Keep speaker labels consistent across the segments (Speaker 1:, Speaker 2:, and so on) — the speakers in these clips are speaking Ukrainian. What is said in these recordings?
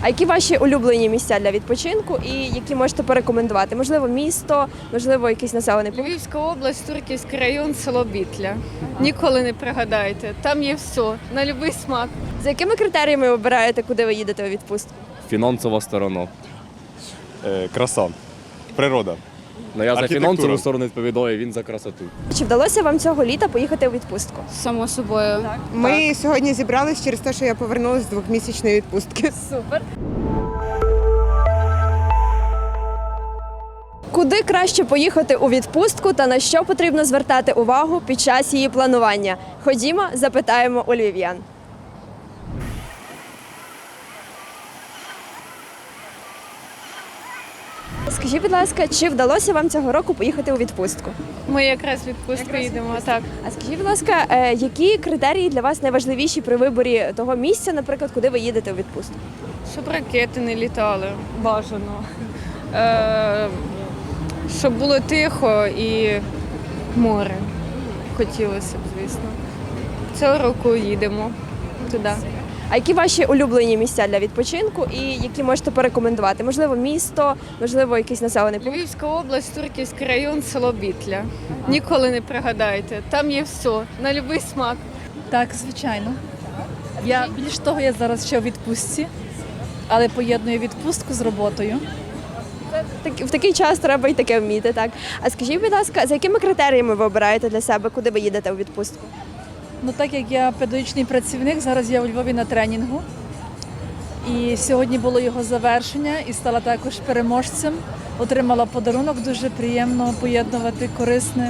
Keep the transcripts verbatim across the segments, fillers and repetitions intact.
Speaker 1: А які ваші улюблені місця для відпочинку і які можете порекомендувати? Можливо, місто, можливо, якийсь населений пункт?
Speaker 2: Львівська область, Турківський район, село Бітля. Ніколи не пригадаєте. Там є все, на будь-який смак.
Speaker 1: За якими критеріями ви обираєте, куди ви їдете у відпустку?
Speaker 3: Фінансова сторона.
Speaker 4: Е, краса, природа.
Speaker 3: Ну, я за
Speaker 4: Архітектура.
Speaker 3: фінансову сторону відповідаю, він за красоту.
Speaker 1: Чи вдалося вам цього літа поїхати у відпустку?
Speaker 2: Само собою.
Speaker 5: Ми сьогодні зібрались через те, що я повернулася з двохмісячної відпустки.
Speaker 1: Супер. Куди краще поїхати у відпустку та на що потрібно звертати увагу під час її планування? Ходімо, запитаємо у львів'ян. Скажіть, будь ласка, чи вдалося вам цього року поїхати у відпустку?
Speaker 2: Ми якраз в відпустку їдемо. Так.
Speaker 1: А скажіть, будь ласка, е, які критерії для вас найважливіші при виборі того місця, наприклад, куди ви їдете у відпустку?
Speaker 2: Щоб ракети не літали. Бажано. Е, щоб було тихо і море. Хотілося б, звісно. Цього року їдемо туди.
Speaker 1: А які ваші улюблені місця для відпочинку і які можете порекомендувати? Можливо, місто, можливо, якийсь населений пункт?
Speaker 2: Львівська область, Турківський район, село Бітля. Ніколи не пригадаєте. Там є все, на будь-який смак.
Speaker 6: Так, звичайно. Я більш того, я зараз ще у відпустці, але поєдную відпустку з роботою.
Speaker 1: Так, в такий час треба і таке вміти, так? А скажіть, будь ласка, за якими критеріями ви обираєте для себе, куди ви їдете у відпустку?
Speaker 6: Ну так як я педагогічний працівник, зараз я у Львові на тренінгу. І сьогодні було його завершення і стала також переможцем. Отримала подарунок, дуже приємно поєднувати корисне.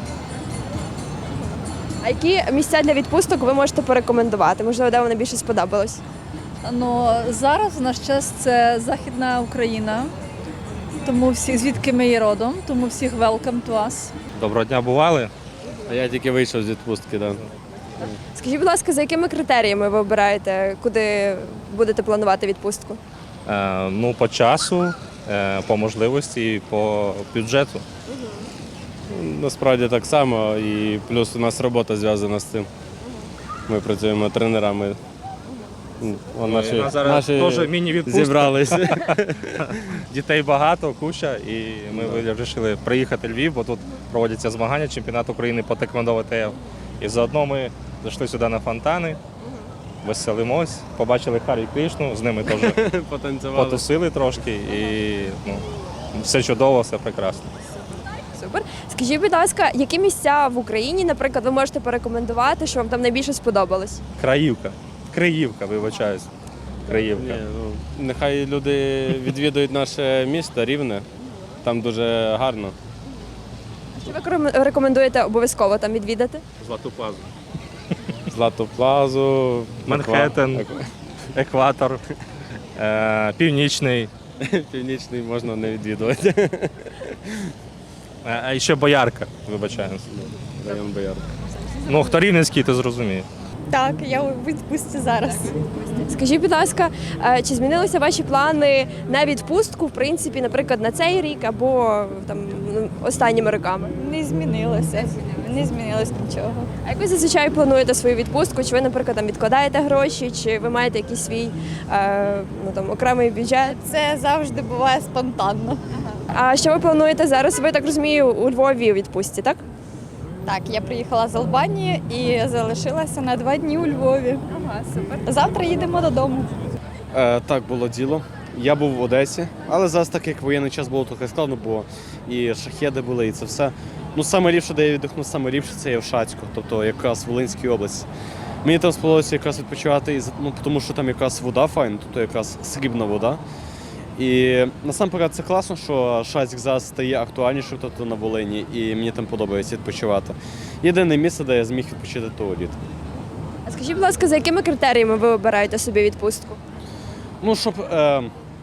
Speaker 1: А які місця для відпусток ви можете порекомендувати? Можливо, де вам найбільше сподобалось?
Speaker 6: Ну, зараз в наш час це Західна Україна, тому всіх, звідки ми є родом, тому всіх welcome to us.
Speaker 7: Доброго дня, бували? А я тільки вийшов з відпустки. Да.
Speaker 1: Скажіть, будь ласка, за якими критеріями ви обираєте, куди будете планувати відпустку?
Speaker 7: Е, ну, по часу, е, по можливості, по бюджету.
Speaker 4: Насправді так само, і плюс у нас робота зв'язана з цим. Ми працюємо тренерами. О, наші,
Speaker 7: У нас зараз
Speaker 4: наші
Speaker 7: теж міні-відпустка.
Speaker 4: зібралися.
Speaker 7: Дітей багато, куча, і ми вирішили приїхати в Львів, бо тут проводяться змагання, чемпіонат України по теквондо ВТФ. І заодно ми зайшли сюди на фонтани, веселимось, побачили Харі Крішну, з ними теж
Speaker 4: Потанцювали.
Speaker 7: потусили трошки, і ну, все чудово, все прекрасно.
Speaker 1: Супер. Скажіть, будь ласка, які місця в Україні, наприклад, ви можете порекомендувати, що вам там найбільше сподобалось?
Speaker 7: Краївка. Криївка, вибачаюсь. Криївка.
Speaker 4: Ні, ну, нехай люди відвідують наше місто Рівне, там дуже гарно.
Speaker 1: Що ви крем- рекомендуєте обов'язково там відвідати?
Speaker 7: Злату плазу.
Speaker 4: Злату плазу,
Speaker 7: Манхеттен.
Speaker 4: Еква-
Speaker 7: Екватор, е, Північний,
Speaker 4: Північний можна не відвідувати.
Speaker 7: е, а ще Боярка, вибачаюсь.
Speaker 4: Район Боярка.
Speaker 7: Ну, хто рівненський, то зрозуміє.
Speaker 8: Так, я у відпустці зараз.
Speaker 1: Скажіть, будь ласка, е, чи змінилися ваші плани на відпустку, в принципі, наприклад, на цей рік або там ну, останніми роками?
Speaker 8: Не змінилося. Не змінилось нічого.
Speaker 1: А як ви зазвичай плануєте свою відпустку? Чи ви, наприклад, там відкладаєте гроші, чи ви маєте якийсь свій е, ну, там, окремий бюджет?
Speaker 8: Це завжди буває спонтанно.
Speaker 1: А що ви плануєте зараз? Ви, так розумію, у Львові у відпустці, так?
Speaker 8: Так, я приїхала з Албанії і залишилася на два дні у Львові.
Speaker 1: Ага, супер.
Speaker 8: Завтра їдемо додому.
Speaker 9: Е, так, було діло. Я був в Одесі, але зараз так як воєнний час було трохи складно, бо і шахеди були, і це все. Ну, саме ліпше, де я віддихнув, саме ліпше це є в Шацьку, тобто якраз в Волинській області. Мені там сподобалося якраз відпочивати, ну, тому що там якраз вода файна, тобто якраз срібна вода. І насамперед це класно, що Шацьк зараз стає актуальнішим, тобто на Волині, і мені там подобається відпочивати. Єдине місце, де я зміг відпочити того літа.
Speaker 1: А скажіть, будь ласка, за якими критеріями ви обираєте собі відпустку?
Speaker 9: Ну, щоб е,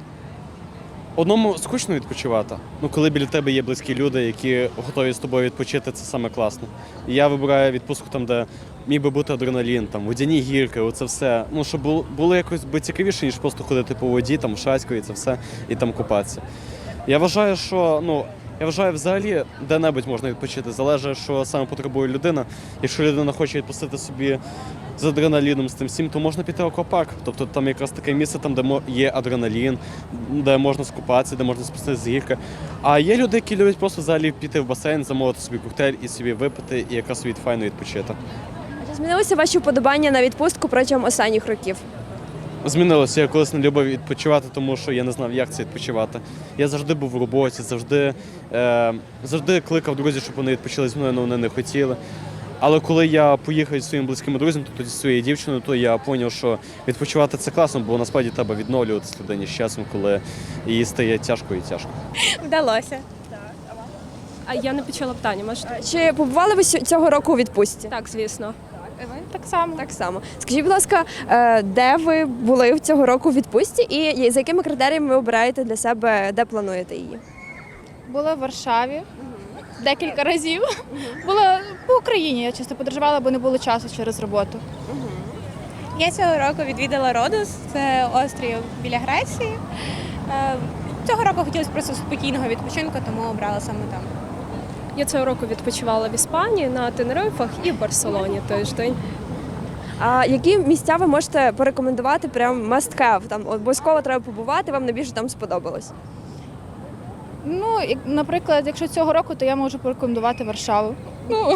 Speaker 9: одному скучно відпочивати. Ну, коли біля тебе є близькі люди, які готові з тобою відпочити, це саме класно. І я вибираю відпустку там, де міг би бути адреналін, там, водяні гірки, оце все. Ну, щоб було, було якось би цікавіше, ніж просто ходити по воді, там, в Шацьку і це все, і там купатися. Я вважаю, що, ну, Я вважаю, взагалі де-небудь можна відпочити. Залежить, що саме потребує людина. Якщо людина хоче відпустити собі з адреналіном, з тим всім, то можна піти в аквапарк. Тобто там якраз таке місце, там, де мо- є адреналін, де можна скупатися, де можна спуститися з гірки. А є люди, які люблять просто взагалі піти в басейн, замовити собі коктейль і собі випити, і якраз собі файно відпочити.
Speaker 1: Чи змінилося ваші вподобання на відпустку протягом останніх років?
Speaker 9: Змінилося. Я колись не любив відпочивати, тому що я не знав, як це відпочивати. Я завжди був в роботі, завжди, е, завжди кликав друзів, щоб вони відпочили зі мною, але вони не хотіли. Але коли я поїхав зі своїм близьким друзем, то тоді зі своєю дівчиною, то я зрозумів, що відпочивати це класно, бо насправді треба відновлюватися людині з часом, коли їй стає тяжко і тяжко.
Speaker 8: Вдалося.
Speaker 10: А я не почула питання, можете?
Speaker 1: Чи побували ви сьо- цього року у відпустці?
Speaker 10: Так, звісно.
Speaker 8: Так само.
Speaker 1: Так само. Скажіть, будь ласка, е, де ви були цього року у відпустці і за якими критеріями ви обираєте для себе, де плануєте її?
Speaker 8: Була в Варшаві декілька разів. Була по Україні, я часто подорожувала, бо не було часу через роботу.
Speaker 11: Я цього року відвідала Родос, це острів біля Греції. Е, Цього року хотілося просто спокійного відпочинку, тому обрала саме там.
Speaker 10: Я цього року відпочивала в Іспанії на Тенерифах і в Барселоні тиждень.
Speaker 1: А які місця ви можете порекомендувати прям must have? Там обов'язково треба побувати, вам найбільше там сподобалось?
Speaker 8: Ну, як- наприклад, якщо цього року, то я можу порекомендувати Варшаву. Ну,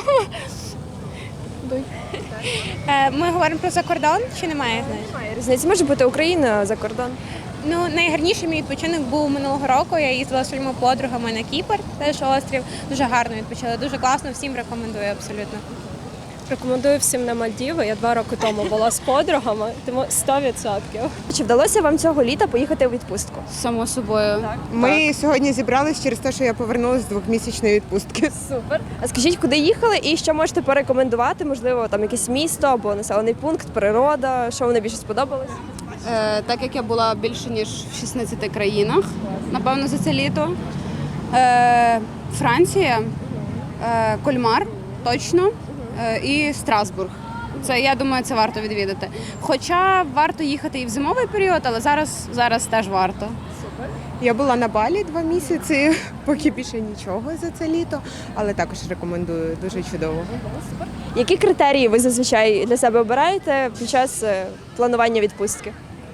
Speaker 11: Е, Ми говоримо про закордон чи немає?
Speaker 1: Немає різниці, може бути Україна за кордон.
Speaker 11: Ну, найгарніший мій відпочинок був минулого року. Я їздила зі своїми подругами на Кіпр, теж острів. Дуже гарно відпочила, дуже класно, всім рекомендую абсолютно.
Speaker 10: Рекомендую всім на Мальдіви. Я два роки тому була з подругами, тому сто відсотків.
Speaker 1: Чи вдалося вам цього літа поїхати у відпустку?
Speaker 8: само собою.
Speaker 5: Ми сьогодні зібрались через те, що я повернулася з двохмісячної відпустки.
Speaker 1: Супер. А скажіть, куди їхали і що можете порекомендувати? Можливо, там якесь місто або населений пункт, природа, що вам найбільше сподобалось?
Speaker 8: Е, так як я була більше ніж в шістнадцяти країнах, напевно, за це літо. Е, Франція, е, Кольмар, точно, е, і Страсбург. Це, я думаю, це варто відвідати. Хоча варто їхати і в зимовий період, але зараз, зараз теж варто.
Speaker 5: Я була на Балі два місяці, поки більше нічого за це літо, але також рекомендую, дуже чудово.
Speaker 1: Які критерії ви зазвичай для себе обираєте під час е, планування відпустки?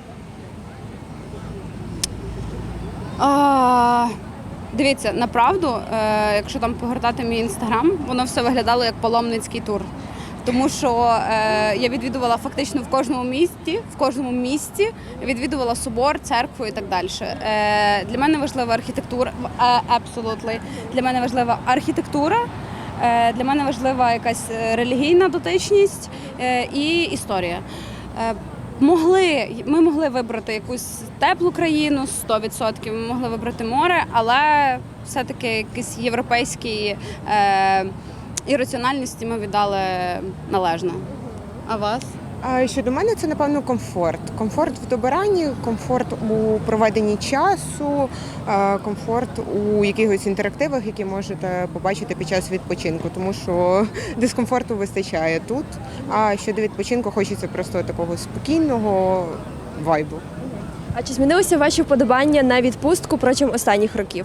Speaker 8: А, дивіться, направду, е, якщо там погортати мій інстаграм, воно все виглядало як паломницький тур. Тому що е, я відвідувала фактично в кожному місті, в кожному місті відвідувала собор, церкву і так далі. Е, для мене важлива архітектура, абсолютно. Для мене важлива архітектура, е, для мене важлива якась релігійна дотичність е, і історія. Е, Могли, ми могли вибрати якусь теплу країну, сто відсотків, ми могли вибрати море, але все-таки якісь європейські е, ірраціональності ми віддали належно. А вас?
Speaker 5: А щодо мене, це, напевно, комфорт. Комфорт в добиранні, комфорт у проведенні часу, е, комфорт у якихось інтерактивах, які можете побачити під час відпочинку, тому що дискомфорту вистачає тут. А щодо відпочинку, хочеться просто такого спокійного вайбу.
Speaker 1: А чи змінилося ваші вподобання на відпустку протягом останніх років?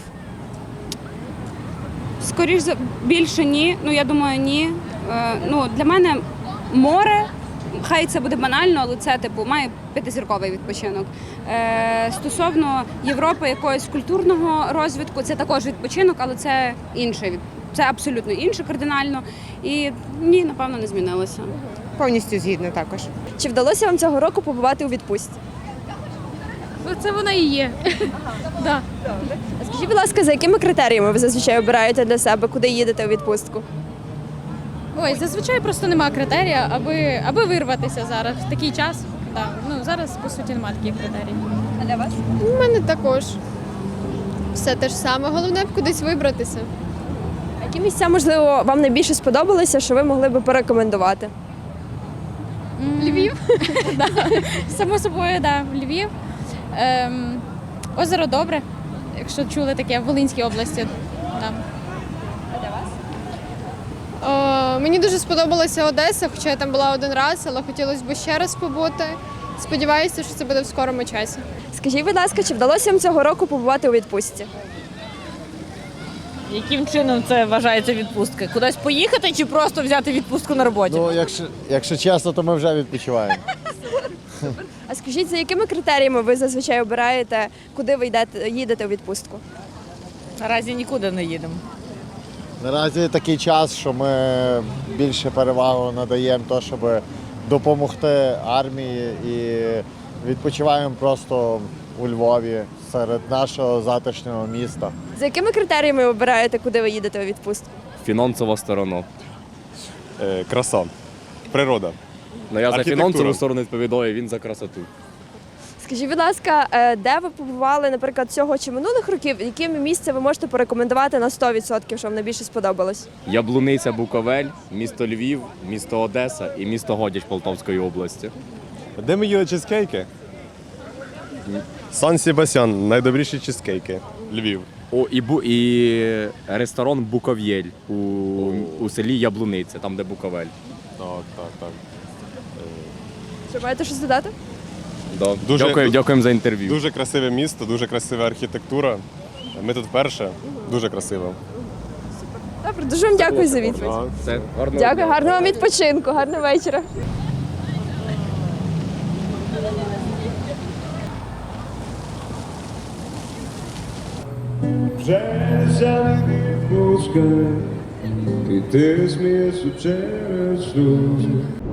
Speaker 8: Скоріш за більше ні. Ну я думаю, ні. Е, ну для мене море. Хай це буде банально, але це типу має п'ятизірковий відпочинок. Е, стосовно Європи, якогось культурного розвитку, це також відпочинок, але це інший від- це абсолютно інше кардинально. І ні, напевно, не змінилося.
Speaker 5: Повністю згідна також.
Speaker 1: Чи вдалося вам цього року побувати у відпустці?
Speaker 10: Це вона і є. Да.
Speaker 1: А скажіть, будь ласка, за якими критеріями ви зазвичай обираєте для себе, куди їдете у відпустку?
Speaker 10: Ой, зазвичай просто нема критерія, аби, аби вирватися зараз в такий час. Да. Ну, зараз, по суті, немає таких критерій.
Speaker 1: А для вас?
Speaker 2: У мене також все те ж саме. Головне б кудись вибратися.
Speaker 1: А які місця, можливо, вам найбільше сподобалися, що ви могли би порекомендувати?
Speaker 10: Львів? Да. Само собою, да. Львів. Ем, озеро Добре, якщо чули таке в Волинській області. Да.
Speaker 2: О, мені дуже сподобалася Одеса, хоча я там була один раз, але хотілося б ще раз побути. Сподіваюся, що це буде в скорому часі.
Speaker 1: Скажіть, будь ласка, чи вдалося вам цього року побувати у відпустці?
Speaker 12: Яким чином це вважається відпустка? Кудись поїхати чи просто взяти відпустку на роботі?
Speaker 13: Ну, якщо, якщо чесно, то ми вже відпочиваємо.
Speaker 1: А скажіть, за якими критеріями ви зазвичай обираєте, куди ви йдете, їдете у відпустку?
Speaker 12: Наразі нікуди не їдемо.
Speaker 13: Наразі такий час, що ми більше перевагу надаємо то, щоб допомогти армії і відпочиваємо просто у Львові серед нашого затишного міста.
Speaker 1: За якими критеріями ви обираєте, куди ви їдете у відпустку?
Speaker 3: Фінансова сторона.
Speaker 4: Е, краса, природа.
Speaker 3: Ну я за
Speaker 4: Архітектура.
Speaker 3: фінансову сторону відповідаю, він за красоту.
Speaker 1: Скажіть, будь ласка, е, де ви побували, наприклад, цього чи минулих років? Яке місце ви можете порекомендувати на сто відсотків, що вам найбільше сподобалось?
Speaker 3: Яблуниця, Буковель, місто Львів, місто Одеса і місто Годяч Полтавської області.
Speaker 4: Де ми їли чизкейки? Сан Себастьян, найдобріші чизкейки. Львів.
Speaker 3: О, і, бу, і ресторан Буков'єль у, у селі Яблуниця, там де Буковель.
Speaker 4: Так, так, так.
Speaker 1: Чи маєте щось додати?
Speaker 3: Да.
Speaker 4: Дуже-
Speaker 3: Дякую, дякуємо за інтерв'ю.
Speaker 4: Дуже красиве місто, дуже красива архітектура. Ми тут вперше. Дуже красиво.
Speaker 1: Добре, дуже вам дякую за відповідь.
Speaker 4: Так.
Speaker 3: Все, гарного
Speaker 1: Дякую,
Speaker 3: дня.
Speaker 1: гарного вам відпочинку, гарного вечора.
Speaker 14: Вже залетить пускай, і ти смієшся через сльози.